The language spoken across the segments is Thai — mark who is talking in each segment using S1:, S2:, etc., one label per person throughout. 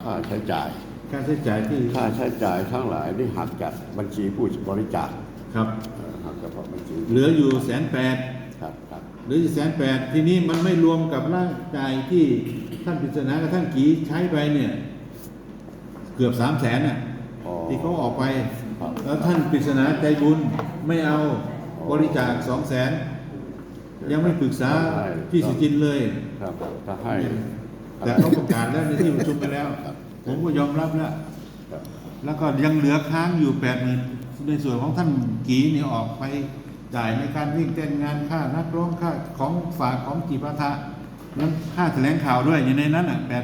S1: ค่าใช้จ่าย
S2: ค่าใช้จ่าย
S1: ทั้งหลายที่หักจากบัญชีผู้บริจาค
S2: ครับ
S1: หักเฉพาะบัญชี
S2: เหลืออยู่180,000
S1: ครับ
S2: เหลืออยู่180,000ทีนี้มันไม่รวมกับร่างกายที่ท่านปริศนากับท่านกีใช้ไปเนี่ยเกือบ300,000น่ะที่เขาออกไปแล้วท่านปริศนาใจบุญไม่เอาบริจาค200,000ยังไม่ปรึกษาพี่สุจินเลย
S1: ครับถ้าให้
S2: แต่เขาประกาศแล้วในที่ประชุมไปแล้วผมก็ยอมรับแล้วก็ยังเหลือค้างอยู่80,000ในส่วนของท่านกีเนี่ยออกไปจ่ายในการวิ่งเต้นงานค่านักร้องค่าของฝากของจิปาถะนั้นค่าแถลงข่าวด้วยอยู่ในนั้น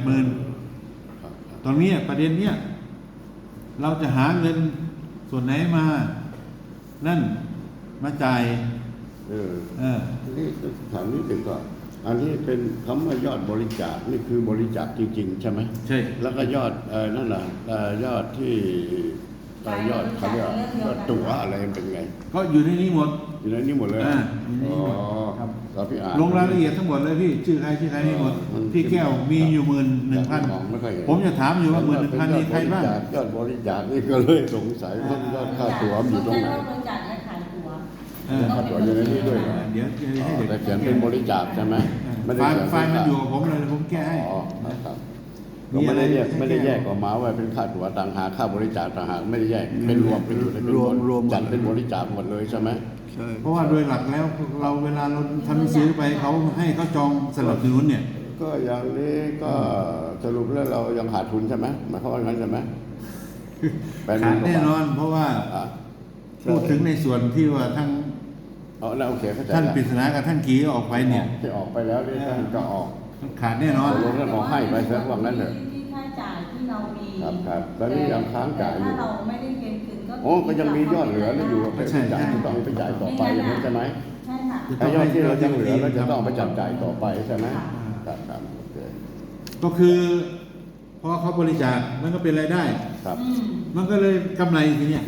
S2: 80,000ตอนนี้ประเด็นเนี้ยเราจะหาเงินส่วนไหนมานั่นมาจ่าย
S1: นี่ถามนิดหนึ่งก่อนอันนี้เป็นคำว่ายอดบริจาคนี่คือบริจาคจริงๆใช่ไหม
S2: ใช่
S1: แล้วก็ยอดนั่นแหละยอดที่ยอดเขาเรียกยอดตั๋วอะไรเป็นไง
S2: ก็อยู่ในนี้หมด
S1: อยู่ในนี้หมดเลย
S2: ครับ
S1: พี่อ่าน
S2: ลงรายละเอียดทั้งหมดเลยพี่ชื่อใครนี่หมดพี่แก้วมีอยู่11,000ผมจะถามอยู่ว่า11,000นี่ใครบ้าง
S1: ยอดบริจาคนี่ก็เลยสงสัยว่ายอดค่าตั๋วอยู่ตรงไหน
S3: บริจาคและขายตั๋ว
S1: ค่าตั๋วอยู่ในนี้ด้วย
S2: เดี๋ยวให้เด็ก
S1: แต่เขียนเป็นบริจาคใช่ไหม
S2: ไฟล์มันอยู่กับผมเลยผมแก้ให้
S1: ครับก็ไม่ได้แยกออกมาว่าเป็นค่าตั๋วต่างหากค่าบริจาคต่างหากไม่ได้แยกเป็นรวมเป็นรวมจัดเป็นบริจาคหมดเลยใช่ไหม
S2: ใช่เพราะว่าโดยหลักแล้วเราเวลาเราทำหนังสือไปเขาให้เขาจองสนับสนุนเนี่ย
S1: ก็อย่างนี้ก็สรุปแล้วเรายังขาดทุนใช่ไหมหมายความว่างั้นใช่ไหม
S2: ขาดแน่นอนเพราะว่าพูดถึงในส่วนที่ว่าทั้งท่านปริศนากับท่านกีออกไปเนี่ย
S1: ที่ออกไปแล้วนี่ท่านก็ออก
S2: ขาดแน่นอน
S1: ลงแล้วบอกให้ไปซะว่างั้นเถอะ
S3: ที่ค่าจ่ายที่เรามี
S1: ครับตอนนี้ยังค้างจ่ายอยู่
S3: ถ้าเราไม่ได้เงินคืน
S1: ก็ยังมียอดเหลืออยู่ไปจ่ายต้องไปจ่ายต่อไปอย่างนั้นใช่ไหม
S3: ใช่ค่ะ
S1: ถ้ายอดที่เรายังเหลือเราจะต้องไปจับจ่ายต่อไปใช่ไหมครับ
S2: ก็คือพอเขาบริจาคมันก็เป็นรายได้
S1: ครับ
S2: มันก็เลยกำไรทีเนี้ย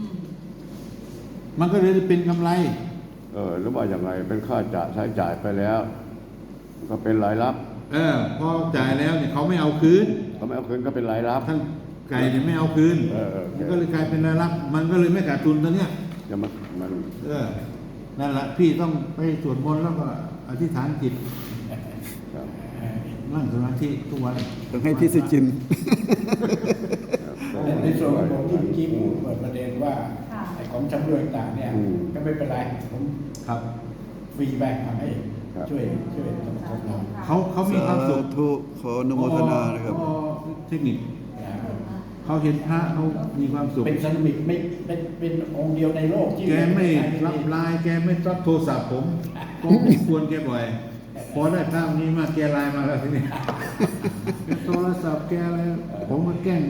S2: มันก็เลยเป็นกำไร
S1: หรือว่าอย่างไรเป็นค่าใช้จ่ายไปแล้วก็เป็นรายรับ
S2: พอจ่ายแล้วเนี่ยเขาไม่เอาคืน
S1: ก็เป็นรายรับ
S2: ท่านไก่เนี่ยไม่เอาคืนมันก็เลยกลายเป็นรายรับมันก็เลยไม่ขาดทุนตอนเนี้ย
S1: จะมัน
S2: นั่นแหละพี่ต้องไปสวดมนต์แล้วก็อธิษฐานจิตนั่งสมาธิทุกวัน
S4: ต้องให้พี่สุจิน
S5: ในส่วนของผมที่เมื่อกี้ผมเปิดประเด็นว่าไอ้ของจำรวจต่างเนี่ยก็ไม่เป็นไรผมฟรีแบงค์ทำให้ช่วยสมทบ
S2: เขามีความสุข
S4: ขออนุโมทนานะครับ
S2: เทคนิคเขาเห็นพระเขามีความสุข
S5: เป็นเซรามิกไม่เป็นองค์เดียวในโลกที่
S2: แกไม่รับไลน์แกไม่รับโทรศัพท์ผมก็ควรแกบ่อยพอได้ภาพนี้มาแกไลน์มาแล้วทีนี้โทรศัพท์แกอะไรผมมาแกล้ง